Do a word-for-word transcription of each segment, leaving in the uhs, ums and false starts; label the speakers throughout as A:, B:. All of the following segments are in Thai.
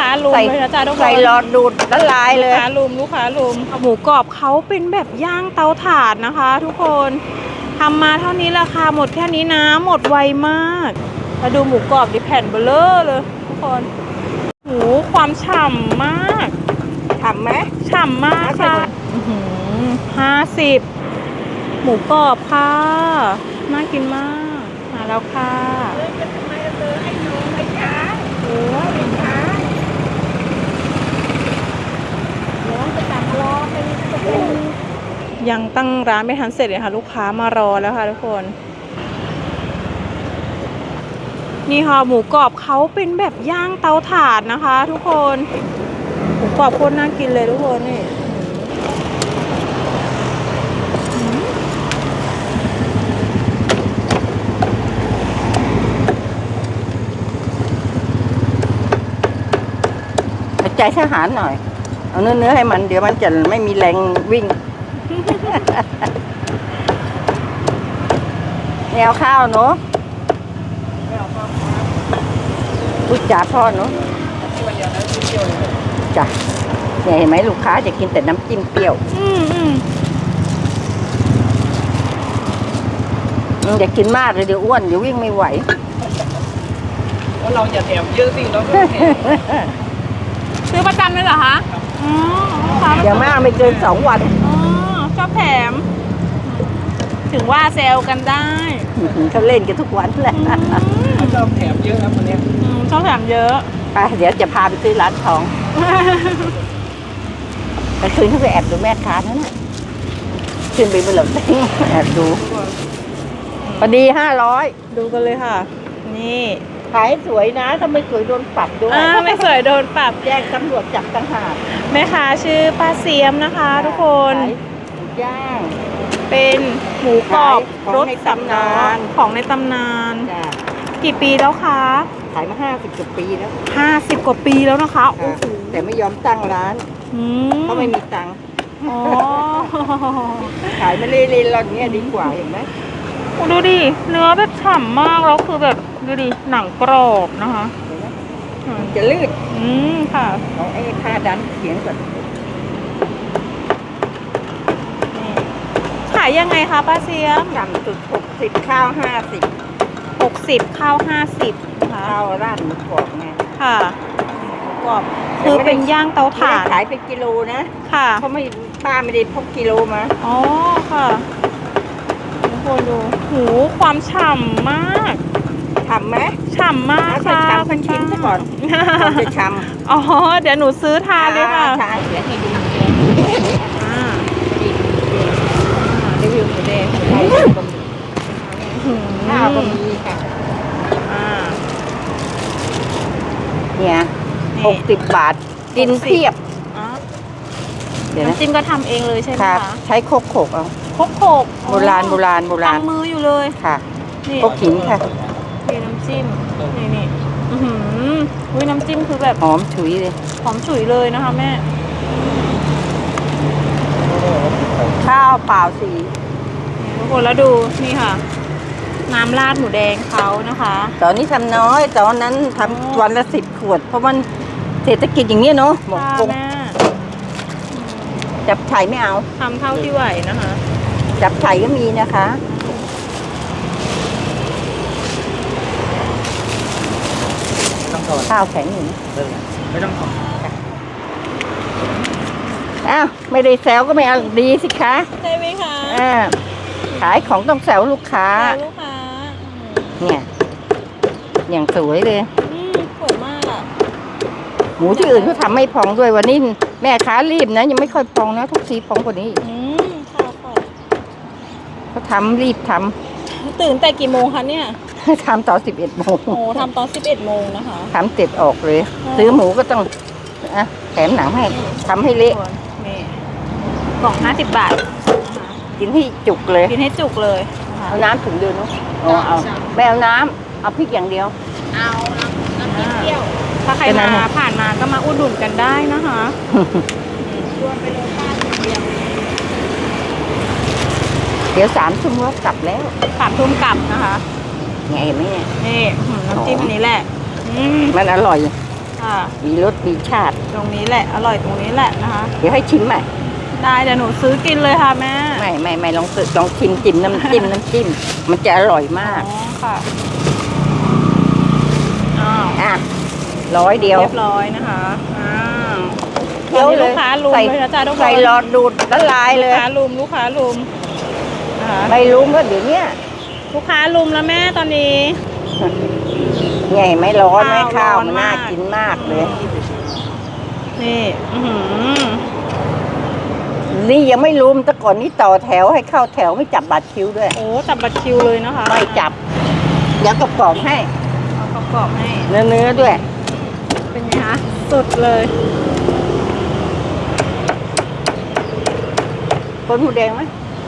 A: าลุมเลยนะจ๊ะทุกคน
B: ใส่หลอดดูดละลายเลย
A: ลูกค้าลุมลูกค้าลุมหมูกรอบเขาเป็นแบบย่างเตาถ่านนะคะ ทุกคนทำมาเท่านี้ราคาหมดแค่นี้นะหมดไวมากมาดูหมูกรอบดิแผ่นเบลอเลยทุกคนหมูความฉ่ำมาก
B: ทำไหม
A: ฉ่ำมากค่ะห้าสิบหมูกรอบค่ะน่ากินมากมาแล้วค่ะโอ้ยค่ะร้อนจะตักรอเป็นจะเป็นยังตั้งร้านไม่ทันเสร็จเลยค่ะลูกค้ามารอแล้วค่ะทุกคนนี่ค่ะหมูกรอบเขาเป็นแบบย่างเตาถ่านนะคะ ทุกคนหมูกรอบโคตรน่ากินเลยทุกคนนี่
B: ใจทหารหน่อยเอาเนื้อเนื้อให้มันเดี๋ยวมันจะไม่มีแรงวิ่ง แนวข้าวเนาะพูดจาพ่อเนาะจ้ะเนี่ยเห็นไหมลูกค้าจะกินแต่น้ำจิ้มเปรี้ยว
A: อืมอืม
B: อย่ากินมากเลยเดี๋ยวอ้วนเดี๋ยววิ่งไม่ไหว
C: ว่าเราอย่าแถมเยอะสิเราก็แถม
A: ซื้อประจำเลยเหรอคะอ๋อ
B: อย่างมากไม่เกินสองวัน
A: อ๋อชอบแถมถึงว่าเซลกันได้
B: เขาเล่นกันทุกวันแหละ
C: เขาชอบแถมเยอะครับวันนี้
A: ชอบแถมเยอะ
B: ไปเดี๋ยวจะพาไปซื้อร้านทองไปคืนเขาไปแอบดูแม่ค้านั่นน่ะขึ้นไปบนหลังเต็งแอบดูพอดีห้าร้อย
A: ดูกันเลยค่ะนี่
B: ขายสวยนะถ้าไม่สวยโดนปรับด้วย
A: อ่าไม่สวยโดนปรับ
B: แจ้งตำรวจจับต่างหาก
A: แม่ค้าชื่อป้าเสียมนะคะทุกคน
B: ย่าง
A: เป็นหมูกรอบรสตำนานของในตำนานกี่ปีแล้วคะ
B: ขายมาห้าสิบกว่าปีแล้ว
A: ห้าสิบกว่าปีแล้วนะคะ
B: แต่ไม่ยอมตั้งร้านเพราะไม่มีตังค์ขายไม่เล่นๆเราเนี้ยดีกว่าเห็นไหม
A: ดูดิเนื้อแบบฉ่ำมากแล้วคือแบบดูดิหนังกรอบนะคะ
B: จะลืด
A: อืมค่ะ
B: เอาไอ้ผ้าดันเขียงก่อน
A: ขายยังไงคะป้าเสียม
B: ต่ำสุดหกสิบข้าวห้าสิบ
A: หกสิบข้าวห้าสิบ
B: ค่ะข้าวราดหมูกรอบไง
A: ค่ะหมูกรอบคือเป็นย่างเตาถ่าน
B: ขายเป็นกิโลนะ
A: ค่ะ
B: เขาไม่ป้าไม่ได้พกกิโลมา
A: อ๋อค่ะทุกคนดูหูความฉ่ำมาก
B: ฉ่ำไหม
A: ฉ่ำมากค่ะ
B: ฉ่ำพันชิ้นซะก่อนจะฉ่
A: ำอ๋อเดี๋ยวหนูซื้อทานเลยค่ะ
B: ทานเดี๋ยวให้ดู
A: รีวิวหมูแดง
B: ข้าวก็มีค่ะเนี่ยหกสิบบาทกินเทียบ
A: เดี๋ยวน้ำจิ้มก็ทำเองเลยใช่ไหมคะ
B: ใช้โคกโขกเอา
A: โคกโขก
B: โบราณโบราณโบราณ
A: ทำมืออยู่เลย
B: ค่ะโคกหินค่ะ
A: นี่น้ำจิ้มนี่นี่อือหืออุ้ยน้ำจิ้มคือแบบ
B: หอมฉุยเลย
A: หอมฉุยเลยนะคะแม่
B: ข้าวเปล่าสี
A: ทุกคนแล้วดูนี่ค่ะน้ำราดหมูแดงเขานะคะ
B: ตอนนี้ทำน้อยตอนนั้นทำวันละสิบขวดเพราะมันเศรษฐกิจอย่างนี้เนาะหมดกงจับไฉไม่เอา
A: ทำเท่าที่ไหวนะคะ
B: จับไฉก็มีนะคะข้าวแข็งอยู่
C: ไม่ต้องขอ
B: อ้าวไม่ได้แซวก็ไม่เอาดีสิคะ
A: ใช่ไหมคะ
B: อ่าขายของต้องแซวลูกค้า
A: ลูกค้า
B: เนี่ยอย่างสวยเลย
A: สวยมากอ่ะ
B: หมูที่อื่นเขาทำไม่พองด้วยวันนี้แม่ค้ารีบนะยังไม่ค่อยพองนะทุกทีพองกว่านี้
A: อืมค่ะค่ะ
B: เขาทำรีบทำ
A: ตื่นแต่กี่โมงคะเนี่ย
B: ทำตอนสิบเอ็ดโมง
A: โอ้ทำตอนสิบเอ็ดโมงนะคะ
B: ทำเสร็จออกเลยซื้อหมูก็ต้องอ่ะแถมหนังให้ทำให้เละ
A: กล่องห้าสิบบาท
B: กินให้จุกเลย
A: กินให้จุกเลย
B: เอาน้ำถุงเดียวเนาะเอาไม่เอาน้ำเอาพริกอย่างเดียว
A: เอาน้ำพริกเที่ยวถ้าใครมาผ่านมาก็มาอุดหนุนกันได้นะคะรวมไปเลยค่าถุงเดียว
B: เดี๋ยวสามทุ่มก็กลับแล้ว
A: สามทุ่มกลับนะคะ
B: ไงเห็นไหมเนี่ย
A: นี่น้ำจิ้มอันนี้แหละ
B: มันอร่อย
A: ค่ะ
B: มีรสมีชาติ
A: ตรงนี้แหละ อร่อยตรงนี้แหละนะคะ
B: เดี๋ยวให้ชิมใหม่
A: ได้เดี๋ยวหนูซื้อกินเลยค่ะแม่
B: ไม่ไม่ไม่ลองสึกลองชิมจิ้มน้ำจิ้มน้ำจิ้มมันจะอร่อยมาก
A: อ๋อค่ะอ้าว
B: อ่ะร้อยเดียว
A: เรียบร้อยนะคะอ้าว
B: เคี้ยว
A: ตอนนี้
B: เล
A: ลู
B: ย
A: กค้าลุม
B: ใส่
A: เลยนะจ๊ะทุกคน
B: ใส่หลอดดูดละลายเล
A: ลูก
B: ย
A: ค้าลุมลูกค้าลุมนะคะ
B: ไม่รู้ก็เดี๋ยวเนี้ย
A: ลูกค้าลุมแล้วแม่ตอนนี้
B: ไงไม่ร้อนไหม
A: ข้า
B: ข้าว ว
A: ร้อน
B: มันน่าม
A: าก
B: กินมากเลย
A: นี่อื้อหือ
B: นี่ยังไม่รู้แต่ก่อนนี้ต่อแถวให้เข้าแถวไม่จับบัตรคิวด้วย
A: โอ้จับบัตรคิวเลยนะคะ
B: ไม่จับเดี๋ยวกระปอกให้
A: เอาประกอบให้
B: เนื้อเนื้อๆด้วย
A: เป็นไงคะสุดเลย
B: คนหมูแดงไหม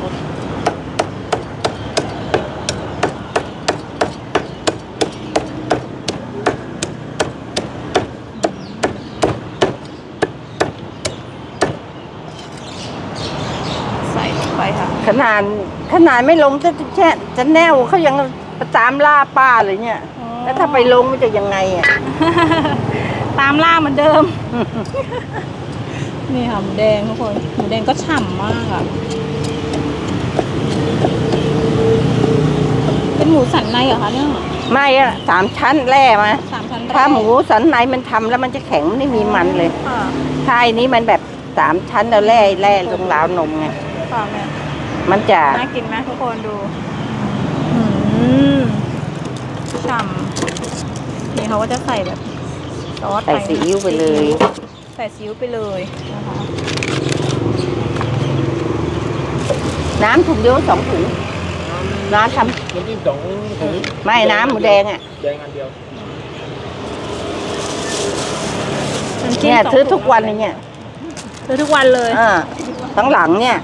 A: ใส่ลงไปค่ะ
B: ขนาดขนาดไม่ลงจะแช่จะแนวเขายังตามล่าป้าเลยเนี่ย
A: อ๋อ
B: แล้วถ้าไปลงมันจะยังไงอ่ะ
A: ตามล่าเหมือนเดิม นี่ค่ะหมูแดงทุกคนหมูแดงก็ฉ่ำมากอ่ะ เป็นหมูสันในเหรอคะเนี่ย
B: ไม่อะสามชั้นแร่มา
A: สามชั้นแรก
B: ถ้าหมูสันในมันทำแล้วมันจะแข็งไม่มีมันเลย
A: ค่ะ
B: ถ้าอันนี้มันแบบสามชั้นแล้วแร่แร่ลงราวนมไง
A: ค่ะแม่
B: มันจะ
A: น่ากินไหมทุกคนดูอืมฉ่ำนี่เขาก็จะใส่แบบซอส
B: ใส่ซีอิ๊วไปเลย
A: ใส่ซีอิ๊วไปเลยนะคะ
B: น้ำถุงเดียวสองถุงน้ำท
C: น้ำจิ้มสองถุง
B: ำไม่น้ำหมูแดงอ่ะ
C: แดงอันเดียว
A: น้ำจิ้ม
B: เนี่ย
A: สง
B: ซื้อ
A: ถุง
B: ทุกวันเลยเนี่ย
A: ซื้อทุกวันเลย
B: อ่าทั้งหลังเนี่ย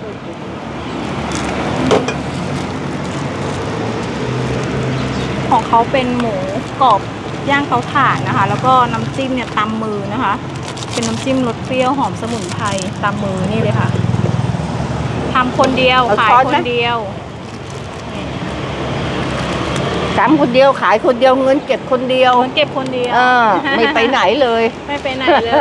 A: ของเขาเป็นหมูกรอบย่างเตาถ่านนะคะ แล้วก็น้ำจิ้มเนี่ยตำมือนะคะ เป็นน้ำจิ้มรสเปรี้ยวหอมสมุนไพรตำมือนี่เลยค่ะทำคนเดียวขายคนเดียว
B: ทำคนเดียวขายคนเดียวเงินเก็บคนเดียว
A: เงินเก็บคนเดียว
B: เออไม่ไปไหนเลย
A: ไม่ไปไหนเลย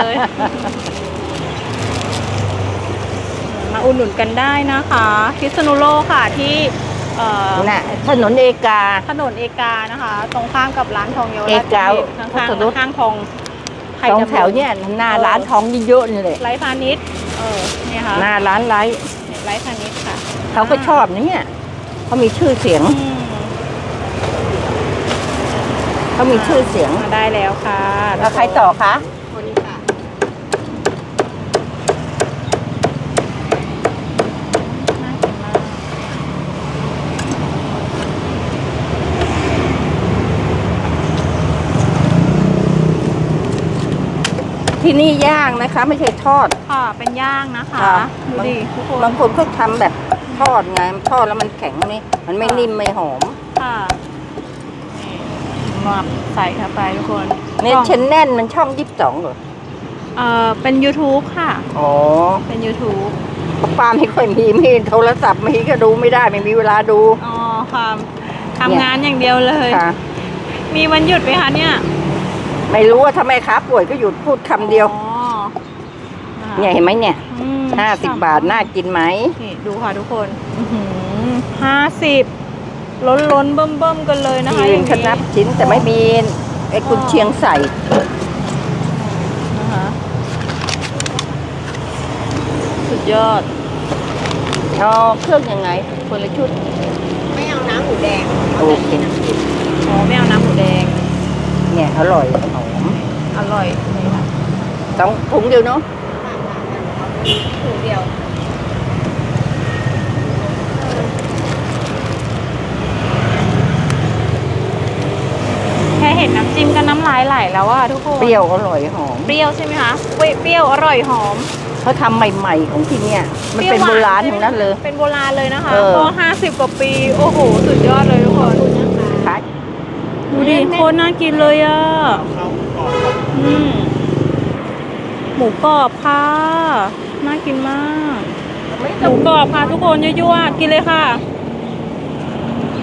A: มาอุดหนุนกันได้นะคะพิษณุโลกค่ะที่เอ่อ
B: น่ะถนนเอกา
A: ถนนเอกานะคะ ตรงข้ามกับร้านทองเยาว
B: เอ
A: ราช
B: กา
A: ข้าง
B: พุทธ
A: ๆ
B: นุช
A: ข้างๆทองไข่
B: สอง
A: ดำ
B: แถวเนี่ยหน้าร้านทองเยอะๆนี่เลย
A: ไร้พาณิชย์เออเนี่ยค่ะ
B: หน้าร้านไร้
A: ไร้พาณิชย์ค่ะ
B: เขาก็ชอบนะเนี่ยเขามีชื่อเสียง
A: อืม
B: เขามีชื่อเสียง
A: มาได้แล้วค่ะ
B: แล้วใครต่อคะ
A: คนค่ะน่ากินมาก
B: ที่นี่ย่างนะคะ ไม่ใช่ทอด
A: ค่ะเป็นย่างนะคะ
B: ค่ะ
A: ดูดิทุกคน
B: บางคนเขาทำแบบทอดไงทอดแล้วมันแข็งนี่มันไม่นิ่มไม่หอม
A: ค่ะนี่หมักใส่เข้าไปทุกคน
B: เนี่ย
A: กล่อง
B: เชนแน่นมันช่องยี่สิบสองเหรอ
A: เอ่อเป็น YouTube ค่ะ
B: อ๋อ
A: เป็น YouTube
B: ป้าไม่ค่อยมีมีโทรศัพท์มีก็ดูไม่ได้ไม่มีเวลาดู
A: อ๋อค่ะทำงานอย่างเดียวเลย
B: ค่ะ
A: มีวันหยุดไหมคะเนี่ย
B: ไม่รู้ว่าทำไมครับป่วยก็หยุดพูดคำเดียว
A: อ๋อนะคะ
B: เนี่ยเห็นไหมเนี่ย
A: อืม
B: ห้าสิบบาทน่ากินไหม
A: นี่ดูค่ะทุกคนห้าสิบล้นล้นๆเบิ่มเบิ่มๆกันเลยนะคะ
B: ยืนขนับชิ้นแต่ไม่มีไอ้กุนเชียงใส่
A: นะคะสุดยอด
B: เอาเครื่องยังไง คนละชุด
D: ไม่เอาน้ำหมูแดง
B: โอเค
A: อ๋อไม่เอาน้ำหมูแดง
B: เนี่ยอร่อยหอม
A: อร่อยนี่ค่ะ
B: ต้องถุงเดียวเนาะ
D: ถุงเดียว
A: แค่เห็นน้ำจิ้มก็น้ำลายไหลแล้วอะทุกคน
B: เปรี้ยวอร่อยหอม
A: เปรี้ยวใช่ไหมคะเว้ยเปรี้ยวอร่อยหอม
B: เขาทำใหม่ๆของที่เนี่ยมันเป็น
A: ป
B: โบ
A: รี้ยวหว
B: ราณ
A: ใช่
B: ทั้
A: ไหม
B: งนั้นเลย
A: เป็นโบราณเลยนะคะ
B: เออ
A: ก็ห้าสิบกว่าปี โอ้โห สุดยอดเลยทุกคน
B: ขาย
A: ดูดิโคตรน่ากินเลยอะอืมหมูกรอบค่ะ น่ากินมาก หมูกรอบค่ะทุกคนยั่วๆกินเลยค่ะ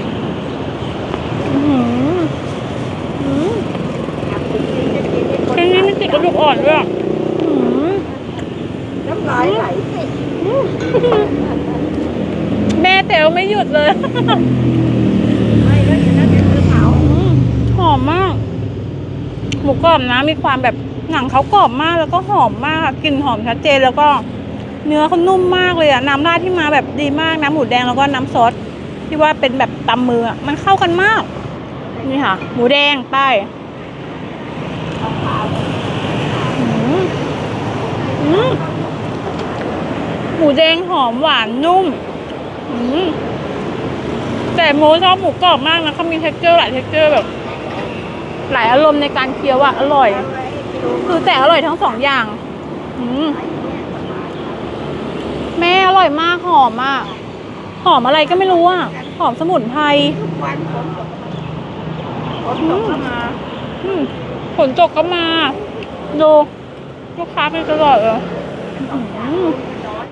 A: อื้อหืออื้อเป็นไงติดกระดูกอ่อนด้วยอะอืม
B: น้ำลายไหลสิ
A: แม่เต๋วไม่หยุดเลย
B: ไม่แล้วเดี๋ยวนั้นเดี๋ยวเธอเผา
A: อืมหอมมาก หมูกรอบนะมีความแบบหนังเขากรอบมากแล้วก็หอมมากกลิ่นหอมชัดเจนแล้วก็เนื้อเขานุ่มมากเลยอะน้ำราดที่มาแบบดีมากน้ำหมูแดงแล้วก็น้ำซอสที่ว่าเป็นแบบตำมืออะมันเข้ากันมากนี่ค่ะ หมูแดงไปอืมอืมหมูแดงหอมหวานนุ่มอืมแต่โมชอบหมูกรอบมากนะเขามี texture หลาย texture แบบ หลายอารมณ์ในการเคี้ยวอะอร่อย คือแต่อร่อยทั้งสองอย่าง อืมแม่อร่อยมากหอมมาก หอมอะไรก็ไม่รู้อะหอมสมุนไพร
B: ทุกวันฝนตกฝนตกก็มา
A: อืมฝนตกก็มา ดูลูกค้าเป็นตลอดเลย
B: เป็นของแถ